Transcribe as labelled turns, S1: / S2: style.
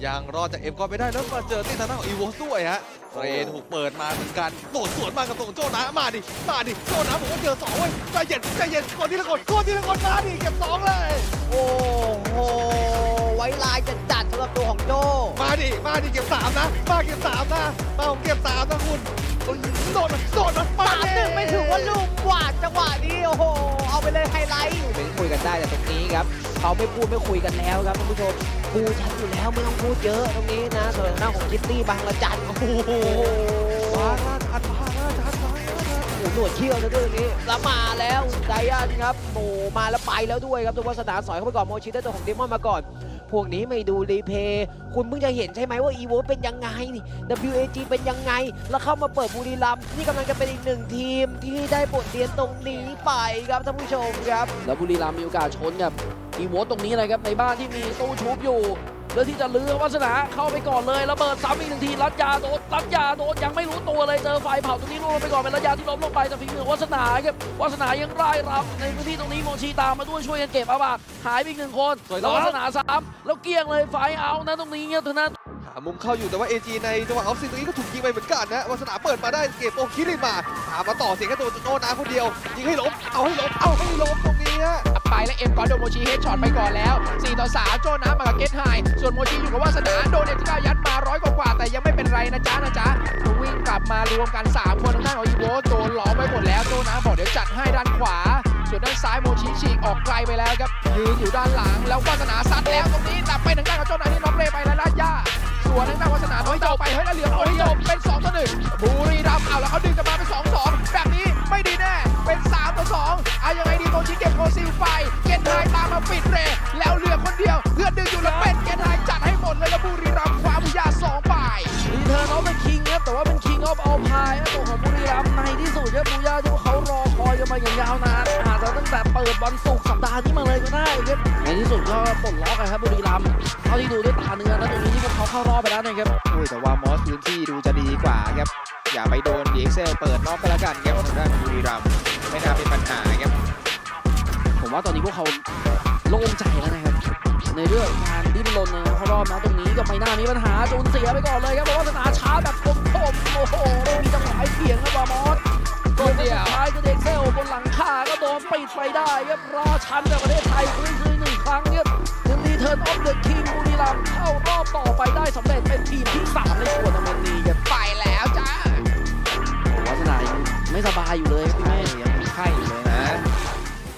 S1: ยังรอดจากเอ็มก่อนไม่ได้แล้วมาเจอที่ทางด้านของอีโวด้วยฮะเรนถูกเปิดมาเหมือนกันโดดสวนมากับตรงโจนะมาดิโจนะผมว่าเจอ2เว้ยใจเย็นคนที่ละคนมาดิเก็บ2เลย
S2: โอ้โหไว้ลายจะจัดสำหรับตัวของโจ
S1: มาดิเก็บ3นะมาเก็บ3นะมาผมเก็บ3นะคุณโดดมา
S2: 3-1ไม่ถือว่าลูกกวาดจังหวะนี้โอ้โหเอาไปเลยไฮไลท์เป็นคุยกันได้แต่ตรงนี้ครับเขาไม่พูดไม่คุยกันแล้วครับท่านผู้ชมกูชัดอยู่แล้วไม่ต้องพูดเยอะตรงนี้นะส่วนหน้าของคิตตี้บางระจันโอ้โห
S1: มาทัน
S2: หนวดเขี้ยวซะด้วยนี้แล้วมาแล้วไดอันครับโอ้มาแล้วไปแล้วด้วยครับตัววัสนาสอยเข้าไปก่อนโมชิได้ตัวของเดมอนมาก่อนพวกนี้ไม่ดูรีเพย์คุณเพิ่งจะเห็นใช่ไหมว่าอีโวเป็นยังไง WAG เป็นยังไงแล้วเข้ามาเปิดบุรีรัมย์นี่กำลังจะเป็นอีก1ทีมที่ได้บทเรียนตรงนี้ไปครับท่านผู้ชมครับ
S3: แล้วบุรีรัมย์มีโอกาสชนกับอีโวตรงนี้เลยครับในบ้านที่มีตู้ชุบอยู่เลือกที่จะลื้อวัสนาเข้าไปก่อนเลยระเบิดซ้ำอีก1ทีรัดยาโดนยังไม่รู้ตัวเลยเจอไฟเผาตรงนี้ล่วงไปก่อนเป็นระยะที่ล้มลงไปแต่ฝีมือวัสนาครับวัสนายังไล่รับในพื้นที่ตรงนี้โมชีตามมาด้วยช่วยกันเก็บอาบาดหายไปอีก1คนแล้ววัสนา3แล้วเกี้ยงเลยไฟเอานะตรงนี้เนี่ยเท่านั้น
S1: หามุมเข้าอยู่แต่ว่า AG ในจังหวะออฟซินตรงนี้ก็ถูกยิงไปเหมือนกันนะวัสนาเปิดมาได้เก็บโอคิริมามาต่อเสียงแค่ตัวโจนะคนเดียวยิงให้ล้มเอาให้ล้มตรงนี้ฮะ
S4: ไปแล้วเอ็มก่อนโดนโมชิเฮดช็อตไปก่อนแล้ว4-3โจนะมากับเกตไฮส่วนโมชิอยู่กับวาสนาโดนเอจิก้ายัดมา100กว่าแต่ยังไม่เป็นไรนะจ๊ะวิ่งกลับมารวมกัน3คนทางด้านของอีโวโดนล้อมไปหมดแล้วโจนะบอกเดี๋ยวจัดให้ด้านขวาส่วนด้านซ้ายโมชิฉีกออกไกลไปแล้วครับยืนอยู่ด้านหลังแล้ววาสนาซัดแล้วตรงนี้ตับไปทางด้านของโจนะที่น็อกเลยไปแล้วลาดย่าส่วนทางด้านวาสนาน้อยเจ้าไปเฮ้ยแล้วเหลือคนที่จบเป็น2-1บุรีรัมย์เอาแล้วเขาดึงกันมาเป็น2-2แบบนี้ไม่ดีแน่เป็น3-2เอายังไงดีโมชิเก็บโคซิลไปเกนไฮตามมาปิดเรแล้วเหลือคนเดียวเพื่อนดึงอยู่แล้วเป็นเกนไฮจัดให้หมดเลยแล้วบุรีรัมย์คว้าบุญญา2ไป
S3: รีเทิร์นออฟเป็นคิงครับแต่ว่าเป็นคิงออฟเอาพายตัวของบุรีรัมย์ในที่สุดครับบุญญาที่เขารอคอยกันมาอย่างยาวนานอาจจะตั้งแต่เปิดวันศุกร์สัปดาห์นี้มาเลยก็ได้ครับในที่สุดก็ปลดล็อกครับบุรีรัมย์เท่าที่ดูด้วยตาเนื้อแล้วตรงนี้ที่พวกเขาเข้ารอบไปแล้วนะครับ
S2: แต่ว่ามอสพื้นที่ดูจะดีกว่าครับอย่าไปโดนดีเอ็กเซลเปิดนอกก็แล้วกันครับทางด้านบุรีรัมย์ไม่น่าเป็นปัญหาครับ
S3: ผมว่าตอนนี้พวกเขาโล่งใจแล้วนะครับในเรื่องการดิ้นรนนะครับเขารอบนะตรงนี้ก็ไม่น่ามีปัญหาจูนเสียไปก่อนเลยครับเพราะว่าสนามช้าแบบคมโอ้โหมีจังหวะให้เถียงครับมอสตัวเดียวสุดท้ายก็เด็กเซลบนหลังคาก็โดนปิดไปได้ครับรอชั้นในประเทศไทยคืน1 ครั้งครับถึงรีเทิร์นออฟเดอะคิงบุรีรัมย์เข้ารอบต่อไปได้สำเร็จเป็นทีมที่3ในทัวร์นาเมนต์นี้ครับ
S4: ไปแล้วจ้า
S3: วัฒนาไม่สบายอยู่เลยพี่แม่
S2: ยังมีไข้อยู่